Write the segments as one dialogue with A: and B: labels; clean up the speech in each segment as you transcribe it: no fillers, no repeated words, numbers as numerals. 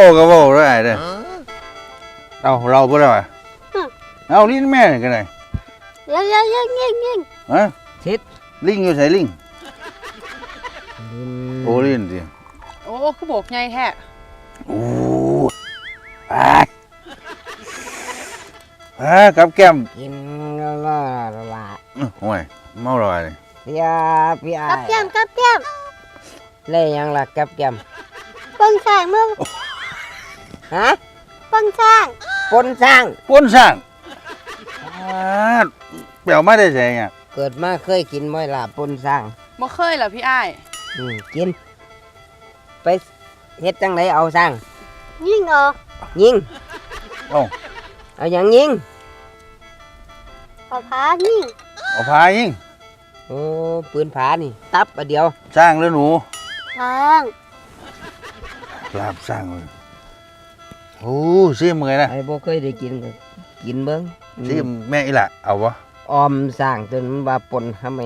A: ก็บอกได้เด้อเอาเราบ่ได้เอาลิ้นแม่กันเลย
B: ยิง
A: ฮะ
C: ทิศ
A: ลิงอยู่ใส่ลิงโอ้ลิ้นดิ
B: โอ้คือโบกไงแท้
A: โอ้กับแก้ม
C: กินแล้วละ
A: โอ้ยเมาลอยเลย
C: พี่ไอ้
D: กับแก้ม
C: เลยยังล่ะกับแก้ม
D: ปนช่างมึง
C: ฮะ
D: ปนช่าง
C: ปนสร้าง
A: ป้นสร้างเปล่าไม่ได้ใส่เนี่ย
C: เกิดมาเคยกินบ่อยล่ะปนสร้าง
B: บ่เคยเหรอพี่อ้าย
C: กิน ไปเฮ็ดจังไดเอาสร้าง
D: ยิงเหรอ
C: ยิง
A: เอา
C: เอาอย่างยิง
D: เอาผายิง
A: เอาพายิง
C: โอ้ปืนผานี่ตับอันเดียว
A: สร้างแล้วหนู
D: ทาง
A: ลาบสร้างเลยโอ้ซิมเลยนะ
C: ไอ้บ่เคยได้กินก็กินเบิ่ง
A: ซิมแม่อีหละเอาวะ
C: ออมสร้างจนมันว่าปนทำไม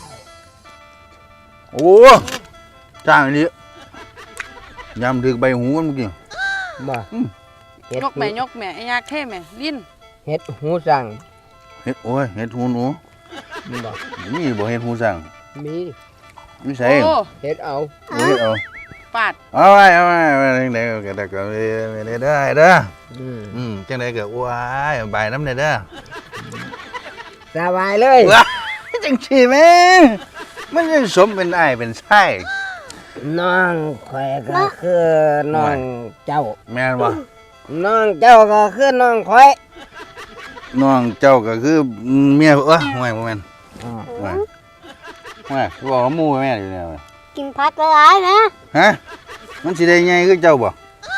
A: โอ้สร้างอันนี้ยำถึกใบหูมันเมื่อกี้
C: บ่เฮ็ด
B: ยกแม่ไอ้ยากเท่แม่ลิ้น
C: เฮ็ดหูสร้าง
A: เห็ดโอ้ยเห็ดหูหนู
C: บ่
A: นี่บ่เห็ดหูสั่ง
C: มี
A: ไม่ใช่
B: โอ้
C: เฮ็ดเอา
A: เห็ดเอา
B: ปาด
A: เอาไว้จังไดก็ได้ก็ได้เด้อ จังไดก็ว้ายใบน้ำเด้อ
C: สบายเลย
A: ว้ายจังซี่แม่มันยังสมเป็นอ้ายเป็นไส้
C: น้องข่อยก็คือน้องเจ้า
A: แม่นบ่
C: น้องเจ้าก็คือน้องข่อย
A: น้องเจ้าก็คือเมียห่วยบ่แม่นห่วยบอกว่าหมู่แม่อยู่เนี่ย
D: กินผักหลายๆนะ
A: ฮะมันสิได้ใหญ่คือเจ้าบ่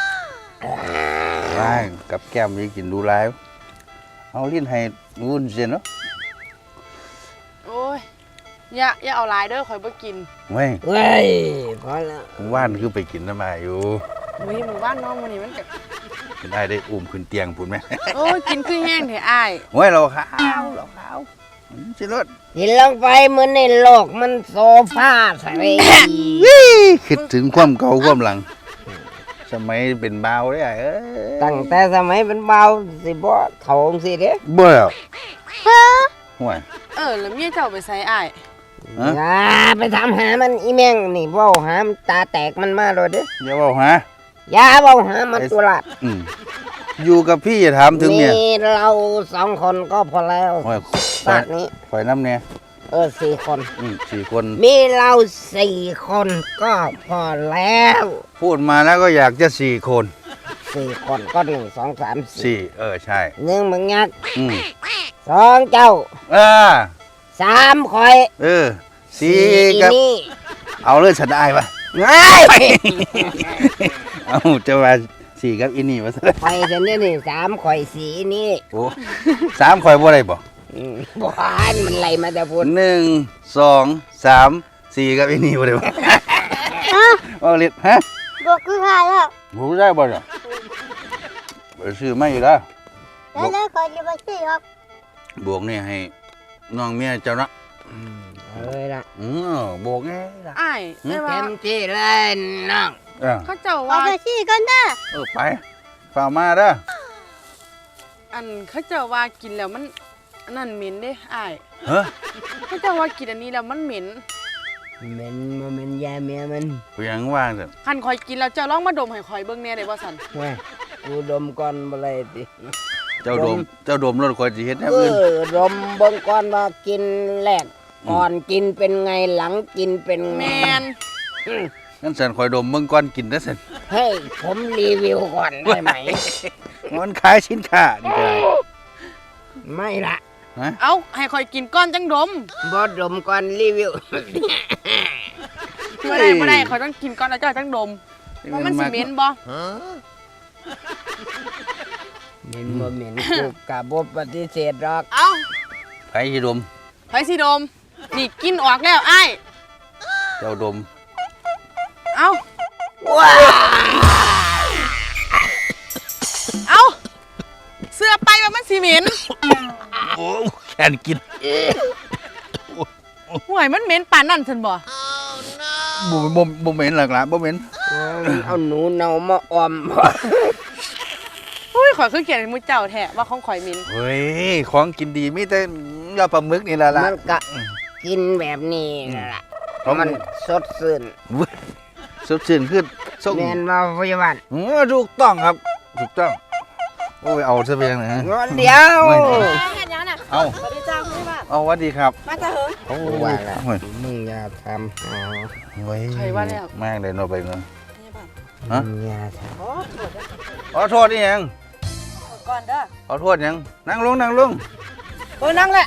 A: ว้ายกับแก้มมีกินดูหลายเอาลิ้นให้วุ้นเส้นเนาะ
B: โอ้ยอย่าเอาหลายเด้อข่อยบ่กิน
A: เว้ย
C: เว้ยพอแล้ว
A: ว่านคือไปกินน้ำมาอยู่
B: อุ้ยหมู่บ้านน้องมื้อนี้มันก็
A: เป็นได้อุ้มขึ้นเตียงพุ่นแม่
B: โอ้ยกินคือแห้งแท้อ้าย
A: โอ้ยเราขาวสิรถ
C: กินลงไปมื้อในโลกมันโซฟาใส่
A: คิดถึงความเก่าความหลัง สมัยเป็นบ่าวได้เอ้ย
C: ตั้งแต่สมัยเป็นเบาวสิบ่เฒ่าจังซี่เด้
A: เบื่อห่วย
B: แล้วเมียเจ้าไปใส่อ้าย
A: ฮะ
C: อย่าไปถามหามันอีแม่งนี่เว้าหามันตาแตกมันมาโลดเด้
A: อย่าบอกฮะ
C: อย่าเว้าหามันตุลาด
A: อยู่กับพี่อย่าถามถึง
C: มี
A: เนี่ย
C: เรา2คนก็พอแล้ว
A: ห่วย
C: ชาตินี้
A: ข่อยน้ำเนี่ย
C: 4 คน
A: 4 คน
C: มีเรา4 คนก็พอแล้ว
A: พูดมาแล้วก็อยากจะ4 คน
C: 4 คนก็1 2 3 4
A: ใช่
C: 1มึงยักษ์
A: อืม
C: 2เจ้า 3ข่อย
A: 4
C: อี
A: กับ
C: นี่
A: เอาเลยฉันได้ปะ
C: ไง
A: เอาจะมา4กับอินี่มาซะ
C: ข่อยเสนนี่3ข่อยสีนี่
A: โอ้3ข่อยบ่ได้บ่
C: บ้านมันไหลมาแต่พูด
A: 1 2 3 4กับอินี่บ่ได้บ่เอาเล็ดฮะ
D: บวกคือหายแล้ว
A: บ่ได้บ่เนี่ยไปซื้อมาอีกแล้ว
D: แล้วคอยจะมาซื้อครับ
A: บวกนี่ให้น้องเมียเจ้านะ
C: เลยละ
A: บวกไงล่ะ
B: อ้ายได้ว่า
C: เต็มที่เลยน้อง
B: เขาเจ้า
D: เอา
B: ว่า
D: ไปซื้อกันเด้อ
A: ไปฝ่ามาเด้อ
B: อันเขาเจ้าว่ากินแล้วมันอันนั่นเหม็นเด้อ้าย
A: เฮ้อ
B: เขาเจ้าว่ากินอันนี้แล้วมันเหม็น
C: มันยาเมียมัน
A: ไปยังว่างเถอะ
B: คันข่อยกินแล้วเจ้าลองมาดมให้ข่อยเบิ่งแหน่ได้บ่สั่น
C: เว้ยกูดมก่อนบ่เลยติ
A: เจ้าดมรถคอยสิเฮ็ดแนว
C: เอ
A: อื่น
C: อดมเบิ่งก่อนว่ากินแรกก่อนกินเป็นไงหลังกินเป็นไง
B: แมน
A: งั้นสันคอยดมเบิ่งก่อนกินนะสัน
C: ให้ผมรีวิวก่อนได้ไหม
A: มันขายสินค้านี่ก็ได้
C: ไม่ละ
B: เอ้าให้ข่อยกินก้อนจังดม
C: บ่ดมก่อนรีวิว
B: บ่ได้ข่อยต้องกินก้อนแล้วเจ้าจังดมว่ามันสิเหม็นบ่
C: เหม็นบ่เหม็นกูกะบ่ปฏิเสธหรอก
B: เอ้า
A: ไผสิดม
B: ไผสิดมนี่กินออกแล้วอ้าย
A: เจ้าดม
B: เอ้า
C: ว้า
B: เอ้าเสื้อไปว่ามันสิเหม็น
A: โอ้แค่นกิน
B: ห่วยมันเหม็นปานนั่นซั่นบ่
A: บ่เหม็นหรอกล่ะบ่เหม็น
C: โอ้เอาหนูเนามาออม
B: อุ้ยข่อยคือเขียนให้มุเจ้าแท้ว่าของข่อยมิน
A: เฮ้ยของกินดีมีแต่ยอดปลาหมึกนี่แหละล่ะ
C: มันก็กินแบบนี้ล่ะ
A: เพราะ
C: มันสดชื่น
A: สดชื่นขึ้นส่ง
C: แม่นมาพยาบาล
A: ถูกต้องครับถูกต้องโอ้ยเอาซะเพียงนะ
C: งอนเดียว
A: ไม่
B: เห็นยังน่ะ
A: เอา
B: สวัสดีจ้าคุณบ้าน
A: เอาวัดดีครับ
B: มาจ้าเหิง
A: โอ้
C: ว่าย ละ
A: โอ้ย
C: มึงอย่าทำหา
A: โอ้ย
B: ใครว่าแล้ว
A: แม่งเลยโนไปเนาะ
B: พยาบาล
A: ฮะ
C: มึงอย่าท
B: โอ้โทษนะ
A: ขอโทษนี่ยัง
B: ก่อนเด้อ
A: ขอโทษยังนั่งลงนั่งลง
B: เออนั่งแหละ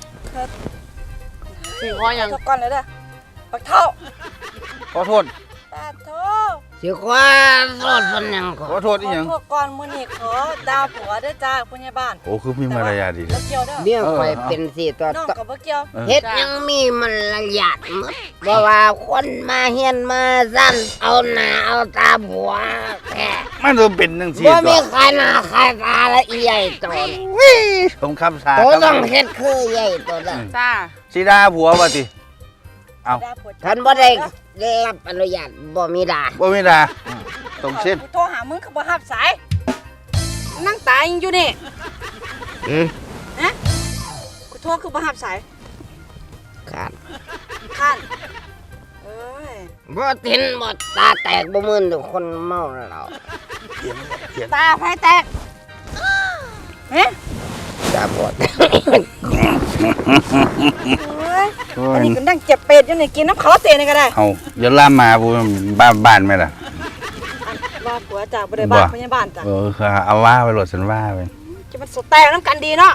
B: สิงคอยัง
E: ทุกก่อนเลยเด้อปักเท่า
A: ขอโทษ
E: ปาโท
C: ำสิความสดมันยังก่
A: ข
C: อ
A: อน โทษนี่ยัง
E: ขอโทษก่อนมื้อนี้ขอดาวผัวด้วยจ้าผู้ใหญ่บ้าน
A: โอ้คือมีมารยาทดี
E: บ่เกี่ยวเด้อ
C: เบี้ยข่อยเป็นสิตัว
E: น้อง
C: ต่อ
E: ก็บ่เกี่ยว
C: เฮ็ดยังมีมันละหยาดหมดบ่ว่าคนมาเฮียนมาสั้นเอาหน้าเอาตาผัวแค่
A: มันต้องเป็นจังซี่
C: บ่
A: ตั
C: มี
A: ว
C: ใครหน้าใครตาละอีใหญ่โต
A: ผมคำสา
C: โตต้องเฮ็ดคือใหญ่โตละ
B: จ้า
A: สีดาผัวว่าติ เอา
E: ดาวผัว
C: ท่านบ่ได้รับอนุญาตบ่มีดา
A: บ่มีดาต้องเส้น
E: กูโทรหามึงก็บ่รับสายนั่งตายอยู่นี่
C: อืม
E: กูโทรคือบ่รับสาย
C: ขาด
E: ข้านเอ้ย
C: บ่ตินบ่ตาแตกบ่มึนทุกคนเมาแล้ว
E: ตาไผแตกเฮ้ย
C: ตาบอด
E: เอ้ยอันนี้ก็นั่งเจ็บเป็ดอยู่นี่กินน้ำเขาเตะนี่ก็ได้
A: เอาอย่าล่ามมาบ่บ้านไหมล่ะ
E: ว่าผัวจ้าบ่ได้บ้าน
A: บ่
E: ผู้ใหญ่บ้านจ้า
A: คือเอาว่าไปโหลดสันว่าไป
E: จะมันสแตกน้ำกันดีเนาะ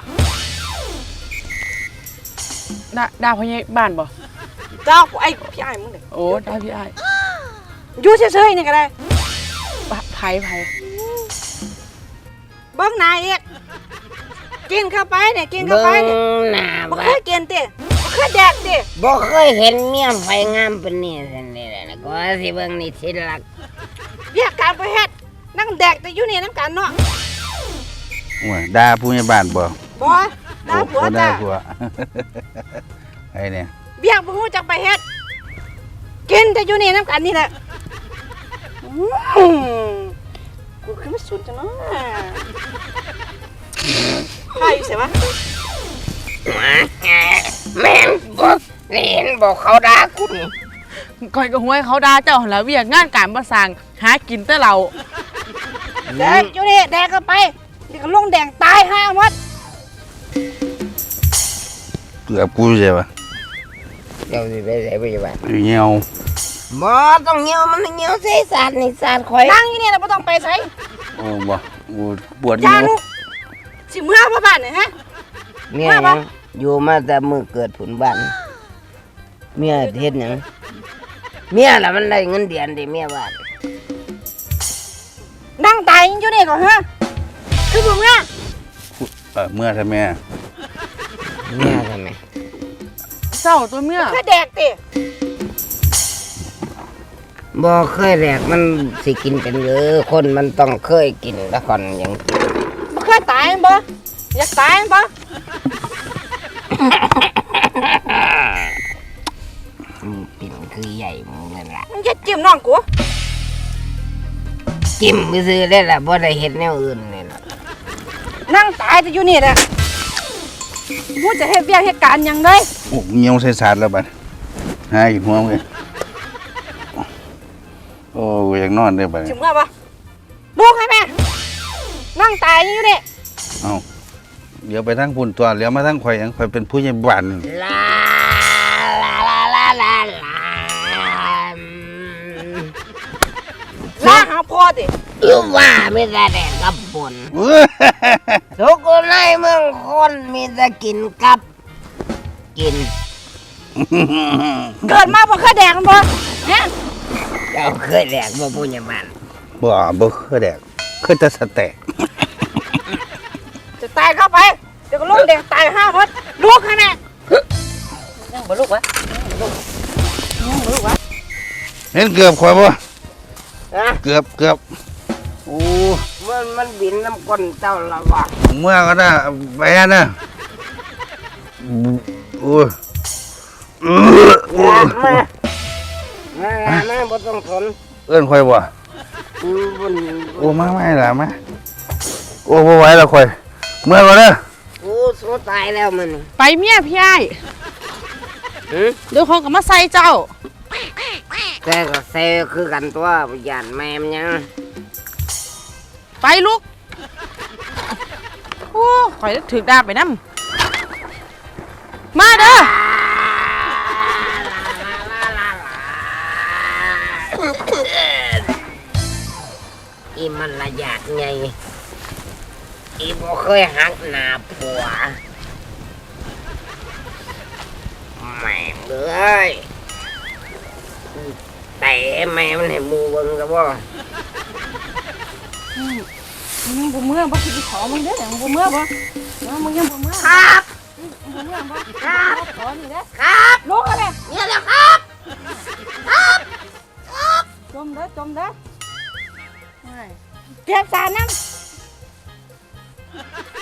B: ดาวพยาบ้านบ่
E: เจ้าไอ้พี่อ้ายมึงเด้อ
B: โอ้ดาวพี่อ้าย
E: อยู่เฉยๆนี่ก็ได้
B: ไผ
E: เบิ้งหนายอีกกินเข้าไปเนี่ยกินเข้า
C: เบิ่
E: ไป
C: ง
E: เนี่ย
C: หน้า
E: บ่
C: บั
E: เค
C: ด
E: ยกินติบ่เคยแดกติ
C: บ่เคยเห็นเมียไฟงามปานนี้ซั่นนี่แหละนะก็สิเบิ่งนี่สิรัก
E: เรียกการไปเฮ็ดนั่งแดกแต่อยู่นี่น้ำกันเนาะ
A: โอ้ยด่าผู้ใหญ่บ้านบ่
E: บ่ดาผัว
A: โอ้ด่า
E: จ้า
A: ผัว ไอ้เนี่ย
E: เบี้ยบ่ฮู้จักไปเฮ็ดกินแต่อยู่นี่น้ำกันนี่แหละอื้อกูคือมันสุดจังเนาะใครอยู่ไสวะ
C: แม่นบ่เห็นบ่เขาด่ากูนี่
B: ก่อยก็ห้วยเขาด่าเจ้าหั่นล่ะเวียกงานการบ่สร้างหากินแต่เรา
E: แดกอยู่นี่แดกเข้าไปเดี๋ยวก็ลงแดงตายห่าหมด
A: เกือบกูใช่ปะ
C: เจ้าสิไปไสไปบ้าน
A: เหี่ยว
C: บ่ต้องเหี่ยวมันเหี่ยวใส่สาดนี่สาดข่อย
E: นั่งอยู่นี่แล้วบ่ต้องไปไส
A: โอ้บ่กูปวด
E: อย่า
A: เหี่ยว
E: ลูกสิเมื่อพ่อบ้านเนี่ยฮะ
C: เมียยังอยู่มาแต่มื้อเกิดผุนบ้านเมียเฮ็ดหยังเมียล่ะมันได้เงินเดือนดิเมียบ้าน
E: นั่งตายอยู่นี่ก่อนฮะคือผมเนี่ย
A: เมื่อทำไม
C: เมียทำไม
B: เจ้าตัวเมีย
E: แค่แดกติ
C: บ่เคยแรกมันสิกินเป็นหรือคนมันต้องเคยกินแล้วก่อนยัง
E: บ่เคยตายบ่อยากตายบ่
C: ปิ่นคือใหญ่มึงนั่นล่ะ
E: มึงจะจิ้มน้องกู
C: จิ้มซื้อได้ล่ะบ่ได้เฮ็ดแนวอื่นนี่ล่ะ
E: นั่งตายแต่อยู่นี่แหละกูจะเฮ็ดเวียกเฮ็ดการหยังได้
A: โอ้เหี่ยวใส่สาดแล้วบัดหาอีกหัวมึงโอ้ยอยากนอนเด้อบัด
E: สิเมื่อบ่ลูกให้แม่นั่งตายอยู่นี่
A: เอ้าเดี๋ยวไปทางพุ่นตัวเลี้ยวมาทางข่อยหยังข่อยเป็นผู้ใหญ่บ้าน
C: ลาลาลาลาลาลา
E: ลาหาพ่อติ
C: อยู่ว่ามีแต่แดกกับปนทุกคนในเมืองคนมีแต่กินกับกิน
E: เกิดมาบ่เคยแดกมันบ่ฮะ
C: เจ้าเคยแดกบ่ผู้ใหญ่บ้าน
A: บ่เคยแดกเคยแต่สแต็ก
E: จะตายเข้าไปเดี๋ยวก็ลงแดงตายห่าหมดลูกให้แม่ยังบ่ลูกวะยังบ่ลูกวะ
A: เห็นเกือบข่อยบ่
C: ฮะ
A: เกือบโอ้
C: มันบินน้ำก้นเจ้าละวะ
A: เมื่อก็ได้ไปนะโอ้ย
C: มาบ่ต้องทน
A: เอื้อนข่อยบ่
C: อืมบุญ
A: โอ้มาไม่ล่ะมาโอ้บ่ไหวแล้วข่อยเมื่อยบ่เด้อ
C: โอ้โซตายแล้วมัน
B: ไปเมียพี่ไอ้าย
C: หือ
B: เดี๋ยวเขาก็มาใส่เจ้า
C: แต่ก็เซคือกันตัวหยานแม่มยัง
B: ไปลูกโอ้ข่อยนึกถึกดาบไปนำมาเด้อ
C: อีมันละหยาดไงอีบ่เคยหักหน้าผัวแม่งเลยแต่แม่มันให้หมูเบิ่งก็บ่
E: มึงบ่เมื่อบ่คิดสิขอมึงเด้อมึงบ่เมื่อบ่มึงยังบ่เมื่อ
C: ครับ
E: บ่เมื่อบ่ครับขอนี่เด้อ
C: ครับ
E: ลูกอะไร
C: เนี่ยแหละครับ
E: จมเด้อเก็บสารน้ำ